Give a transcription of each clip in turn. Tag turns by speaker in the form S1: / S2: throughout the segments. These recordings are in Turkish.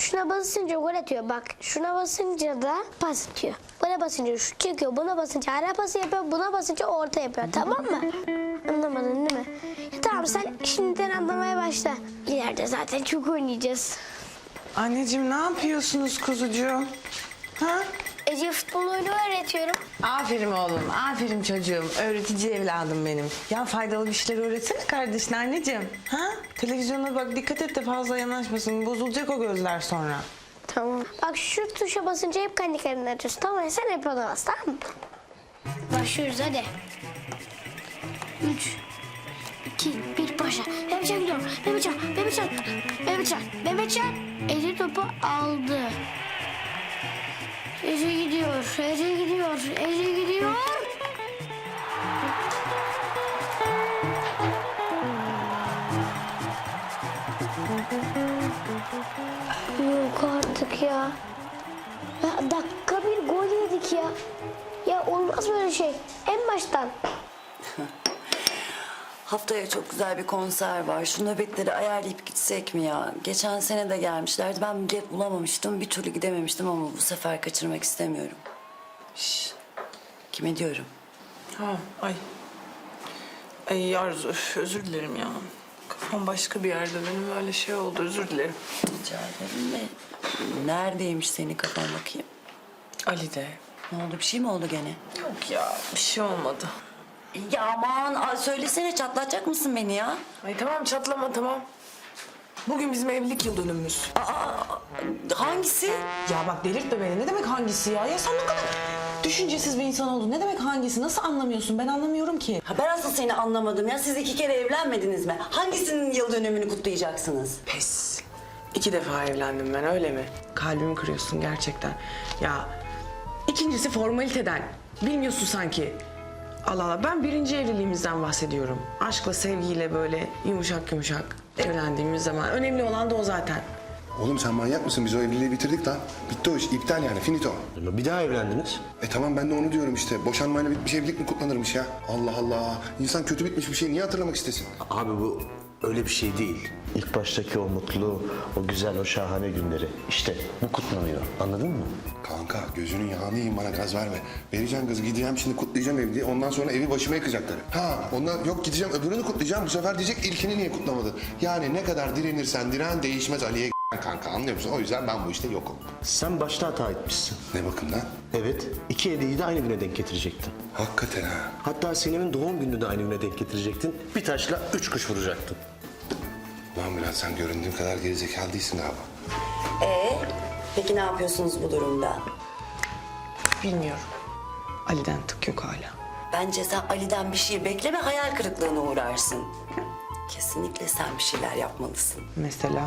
S1: şuna basınca gol atıyor. Bak şuna basınca da pas atıyor. Buna basınca şut çekiyor. Buna basınca ara pası yapıyor. Buna basınca orta yapıyor. Tamam mı? Anlamadın değil mi? Ya tamam sen şimdiden anlamaya başla. İleride zaten çok oynayacağız.
S2: Anneciğim ne yapıyorsunuz kuzucuğum? Ha?
S1: Ece futbol oyunu öğretiyorum.
S2: Aferin oğlum, aferin çocuğum. Öğretici evladım benim. Ya faydalı bir şeyler öğretsene kardeşine anneciğim. Ha? Televizyona bak dikkat et de fazla yanaşmasın. Bozulacak o gözler sonra.
S1: Tamam. Bak şu tuşa basınca hep kendi kendine açıyorsun. Tamam mı? Sen hep ona bas, tamam mı? Başlıyoruz hadi. 3, 2, 1 başla. Mehmetcan gidiyor. Mehmetcan. Ece topu aldı. Ece gidiyor. Yok artık ya. Ya dakika bir gol yedik ya. Ya olmaz böyle şey. En baştan.
S3: Haftaya çok güzel bir konser var. Şu nöbetleri ayarlayıp gitsek mi ya? Geçen sene de gelmişlerdi. Ben bilet bulamamıştım. Bir türlü gidememiştim ama bu sefer kaçırmak istemiyorum. Şş, kime diyorum?
S2: Ha, ay. Ay Arzu, özür dilerim ya. Kafam başka bir yerde benim, öyle şey oldu, özür dilerim.
S3: Rica ederim de. Neredeymiş senin kafan bakayım?
S2: Ali de.
S3: Ne oldu, bir şey mi oldu gene?
S2: Yok ya, bir şey olmadı.
S3: Ya aman söylesene, çatlatacak mısın beni ya?
S2: Ay tamam, çatlama tamam. Bugün bizim evlilik yıl dönümümüz.
S3: Hangisi?
S2: Ya bak delirtme beni. Ne demek hangisi ya? Ya sen ne kadar düşüncesiz bir insan oldun. Ne demek hangisi? Nasıl anlamıyorsun? Ben anlamıyorum ki.
S3: Ha, ben asıl seni anlamadım ya. Siz 2 kere evlenmediniz mi? Hangisinin yıl dönümünü kutlayacaksınız?
S2: Pes. 2 defa evlendim ben, öyle mi? Kalbimi kırıyorsun gerçekten. Ya ikincisi formaliteden. Bilmiyorsun sanki. Allah Allah, ben birinci evliliğimizden bahsediyorum. Aşkla, sevgiyle böyle yumuşak yumuşak evlendiğimiz zaman. Önemli olan da o zaten.
S4: Oğlum sen manyak mısın? Biz o evliliği bitirdik lan. Bitti o iş. İptal yani. Finito.
S5: Bir daha evlendiniz.
S4: Tamam ben de onu diyorum işte. Boşanmayla bitmiş evlilik mi kutlanırmış ya? Allah Allah. İnsan kötü bitmiş bir şeyi niye hatırlamak istesin?
S5: Abi bu öyle bir şey değil. İlk baştaki o mutlu, o güzel, o şahane günleri. İşte bu kutlanıyor. Anladın mı?
S4: Kanka gözünün yağını yiyin, bana gaz verme. Vereceğim gazı, gideceğim şimdi kutlayacağım evliliği. Ondan sonra evi başıma yıkacaklar. Ha ondan yok, gideceğim öbürünü kutlayacağım. Bu sefer diyecek ilkini niye kutlamadı? Yani ne kadar direnirsen diren değişmez Ali'ye kanka, anlıyor musun? O yüzden ben bu işte yokum.
S5: Sen başta hata etmişsin.
S4: Ne bakımdan?
S5: Evet, 2 hediyeyi de aynı güne denk getirecektin.
S4: Hakikaten ha.
S5: Hatta Sinem'in doğum gününü de aynı güne denk getirecektin. Bir taşla 3 kuş vuracaktın.
S4: Ulan Bülent, sen göründüğün kadar gerizekalı değilsin galiba.
S3: Peki ne yapıyorsunuz bu durumda?
S2: Bilmiyorum. Ali'den tık yok hala.
S3: Bence sen Ali'den bir şey bekleme, hayal kırıklığına uğrarsın. Kesinlikle sen bir şeyler yapmalısın.
S2: Mesela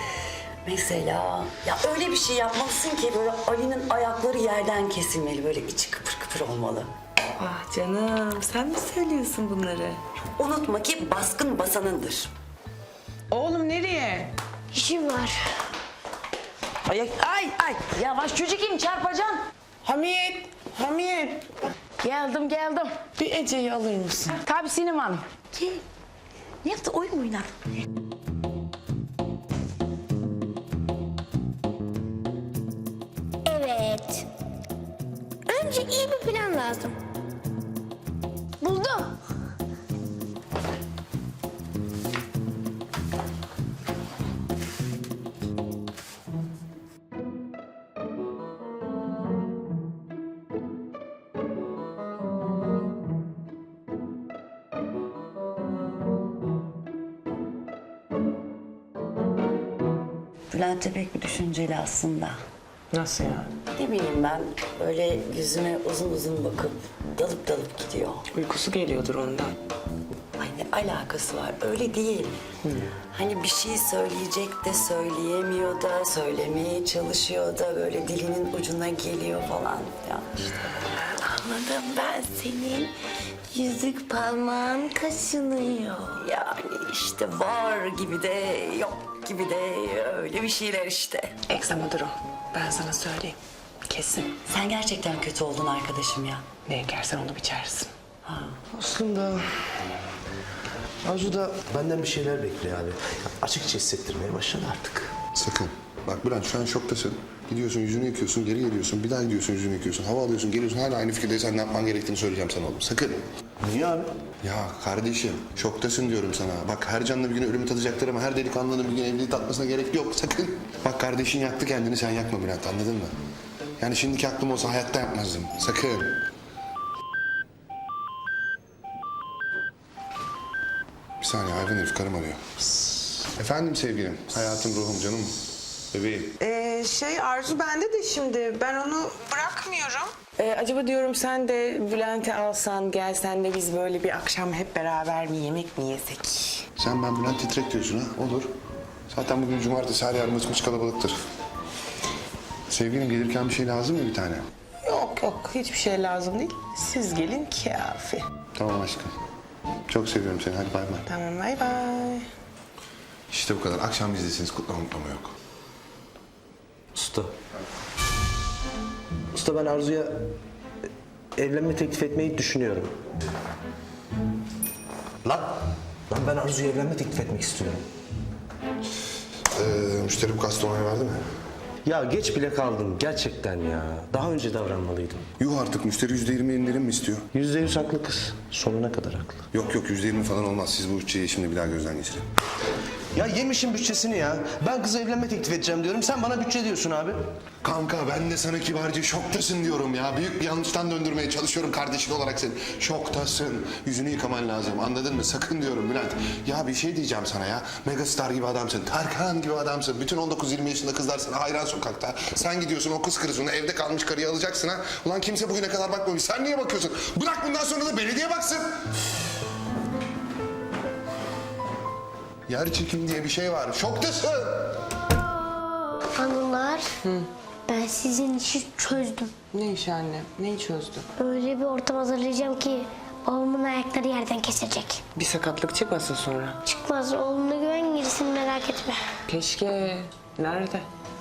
S3: Mesela ya öyle bir şey yapmalısın ki böyle Ali'nin ayakları yerden kesilmeli, böyle içi kıpır kıpır olmalı.
S2: ah canım, sen mi söylüyorsun bunları?
S3: Unutma ki baskın basanındır.
S2: Oğlum nereye?
S1: İşim var.
S2: Ay
S6: Yavaş çocuğum, çarpacaksın.
S2: Hamiyet.
S6: Geldim.
S2: Bir Ece'yi alır mısın?
S6: Tabii Sinem Hanım. Gel. Ne yaptı, oyun mu oynar?
S1: Evet. Önce iyi bir plan lazım. Buldum.
S3: Bülent de pek bir düşünceli aslında.
S2: Nasıl yani?
S3: Ne bileyim ben, böyle yüzüme uzun uzun bakıp dalıp gidiyor.
S2: Uykusu geliyordur ondan.
S3: Ay ne alakası var, öyle değil. Hani bir şey söyleyecek de söyleyemiyor da, söylemeye çalışıyor da böyle dilinin ucuna geliyor falan. Ya işte.
S1: Anladım, ben senin yüzük parmağın kaşınıyor.
S3: Yani işte var gibi de yok gibi de öyle bir şeyler işte.
S2: Egzamadır o. Ben sana söyleyeyim. Kesin.
S3: Sen gerçekten kötü oldun arkadaşım ya.
S2: Ne ekersen onu biçersin.
S5: Aslında Arzu da benden bir şeyler bekliyor abi. Açıkça hissettirmeye başladı artık.
S4: Sakın. Bak Bülent şu an şoktasın. Gidiyorsun yüzünü yıkıyorsun, geri geliyorsun. Bir daha gidiyorsun yüzünü yıkıyorsun. Hava alıyorsun, geliyorsun. Hala aynı fikirdeysen ne yapman gerektiğini söyleyeceğim sana oğlum. Sakın.
S5: Niye abi?
S4: Ya kardeşim şoktasın diyorum sana. Bak her canlı bir gün ölümü tadacaklar ama her delikanlının bir gün evliliği tatmasına gerek yok. Sakın. Bak kardeşin yaktı kendini, sen yakma Bülent, anladın mı? Yani şimdiki aklım olsa hayatta yapmazdım. Sakın. Bir saniye, hayvan herif karım arıyor. Efendim sevgilim, hayatım, ruhum, canım, bebeğim.
S2: Arzu bende de şimdi. Ben onu bırakmıyorum. Acaba diyorum sen de Bülent'i alsan, gelsen de biz böyle bir akşam hep beraber bir yemek mi yesek?
S4: Sen ben Bülent titrek diyorsun ha, olur. Zaten bugün cumartesi, her yer mıç kalabalıktır. Sevgilim gelirken bir şey lazım mı bir tane?
S2: Yok hiçbir şey lazım değil. Siz gelin kafi.
S4: Tamam aşkım. Çok seviyorum seni, hadi bay bay.
S2: Tamam bay bay.
S4: İşte bu kadar, akşam bizdesiniz, kutlama yok.
S5: Usta. Usta ben Arzu'ya evlenme teklif etmeyi düşünüyorum. Lan ben Arzu'ya evlenme teklif etmek istiyorum.
S4: Müşteri bu kasta onay verdi mi?
S5: Ya geç bile kaldım gerçekten ya. Daha önce davranmalıydım.
S4: Yuh artık, müşteri %20 indirim mi istiyor?
S5: %100 haklı kız. Sonuna kadar haklı.
S4: Yok %20 falan olmaz. Siz bu bütçeyi şimdi bir daha gözden geçirin.
S5: Ya yemişim bütçesini ya. Ben kıza evlenme teklif edeceğim diyorum. Sen bana bütçe diyorsun abi.
S4: Kanka ben de sana kibarca şoktasın diyorum ya. Büyük bir yanlıştan döndürmeye çalışıyorum kardeşin olarak seni. Şoktasın. Yüzünü yıkaman lazım, anladın mı? Sakın diyorum Bülent. Ya bir şey diyeceğim sana ya. Megastar gibi adamsın. Tarkan gibi adamsın. Bütün 19-20 yaşında kızlar sana hayran sokakta. Sen gidiyorsun o kız kırısını evde kalmış karıyı alacaksın ha. Ulan kimse bugüne kadar bakmamış. Sen niye bakıyorsun? Bırak bundan sonra da belediye baksın. Yer çekim diye bir şey var. Şoktasın.
S1: Anılar. Ben sizin işi çözdüm.
S2: Ne iş anne? Neyi çözdü?
S1: Öyle bir ortam hazırlayacağım ki babamın ayakları yerden kesilecek.
S2: Bir sakatlık çıkmasın sonra.
S1: Çıkmaz, oğluna güven, gerisini merak etme.
S2: Keşke. Nerede?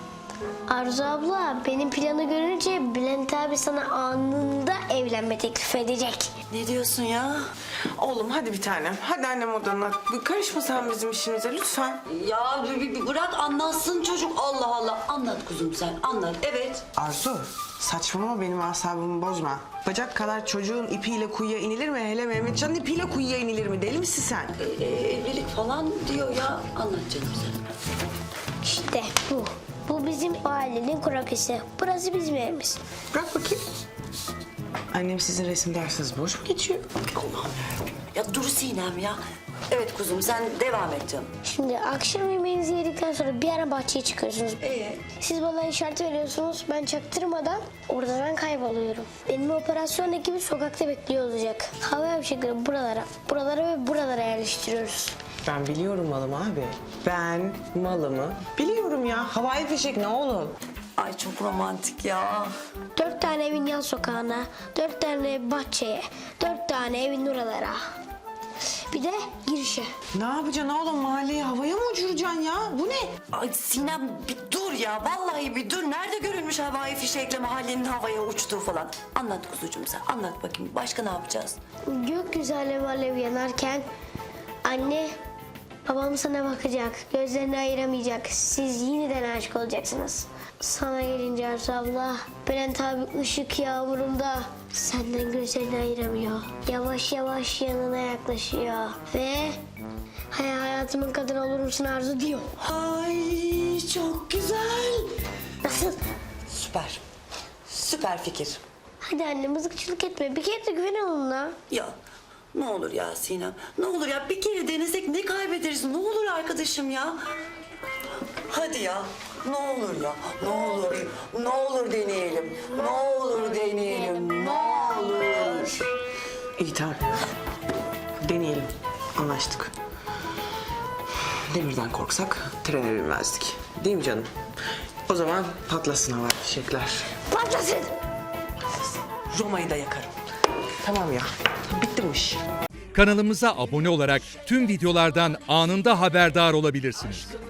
S1: Arzu abla, benim planı görünce Bülent abi sana anında evlenme teklif edecek.
S3: Ne diyorsun ya?
S2: Oğlum hadi bir tanem. Hadi annem odana. Karışma sen bizim işimize lütfen.
S3: Ya bırak anlatsın çocuk. Allah Allah. Anlat kuzum sen. Anlat. Evet.
S2: Arzu saçmalama, benim asabımı bozma. Bacak kadar çocuğun ipiyle kuyuya inilir mi? Hele Mehmetcan'ın ipiyle kuyuya inilir mi? Deli misin sen?
S3: Evlilik falan diyor ya. Anlat canım sen.
S1: İşte bu. Bu bizim ailenin krokisi. Burası bizim evimiz.
S2: Bırak bakayım. Annem sizin resim dersiniz boş mu geçiyor? Allah'ım yarabbim.
S3: Ya dur Sinem ya. Evet kuzum sen devam et canım.
S1: Şimdi akşam yemeğinizi yedikten sonra bir ara bahçeye çıkıyorsunuz. Siz bana işaret veriyorsunuz. Ben çaktırmadan orada ben kayboluyorum. Benim operasyon ekibi sokakta bekliyor olacak. Havai fişekleri buralara ve buralara yerleştiriyoruz.
S2: Ben biliyorum malımı abi. Ben malımı biliyorum ya. Havai fişek ne oğlum?
S3: Ay çok romantik ya.
S1: 4 tane evin yan sokağına, 4 tane bahçeye, 4 tane evin oralara. Bir de girişe.
S2: Ne yapacaksın oğlum? Mahalleyi havaya mı uçuracaksın ya? Bu ne?
S3: Ay Sinem bir dur ya. Vallahi bir dur. Nerede görülmüş havai fişekle mahallenin havaya uçtuğu falan. Anlat kuzucuğum sen. Anlat bakayım. Başka ne yapacağız?
S1: Gökyüzü alev alev yanarken anne babam sana bakacak. Gözlerini ayıramayacak. Siz yeniden aşık olacaksınız. Sana gelince Arzu abla, Bülent abi ışık yağmurunda senden gözlerini ayıramıyor. Yavaş yavaş yanına yaklaşıyor ve hayatımın kadını olur musun Arzu diyor.
S3: Ay çok güzel.
S1: Nasıl?
S3: Süper. Süper fikir.
S1: Hadi anne mızıkçılık etme. Bir kere de güven onunla.
S3: Ya ne olur ya Sinem. Ne olur ya bir kere denesek ne kaybederiz? Ne olur arkadaşım ya. Hadi ya. Ne olur ya. Ne olur. Ne olur deneyelim. Ne olur deneyelim. Ne olur.
S2: İyi tamam. Deneyelim. Anlaştık. Demirden korksak trene binmezdik. Değil mi canım? O zaman patlasın havai fişekler.
S1: Patlasın.
S2: Roma'yı da yakarım. Tamam ya. Bitti bu iş.
S7: Kanalımıza abone olarak tüm videolardan anında haberdar olabilirsiniz.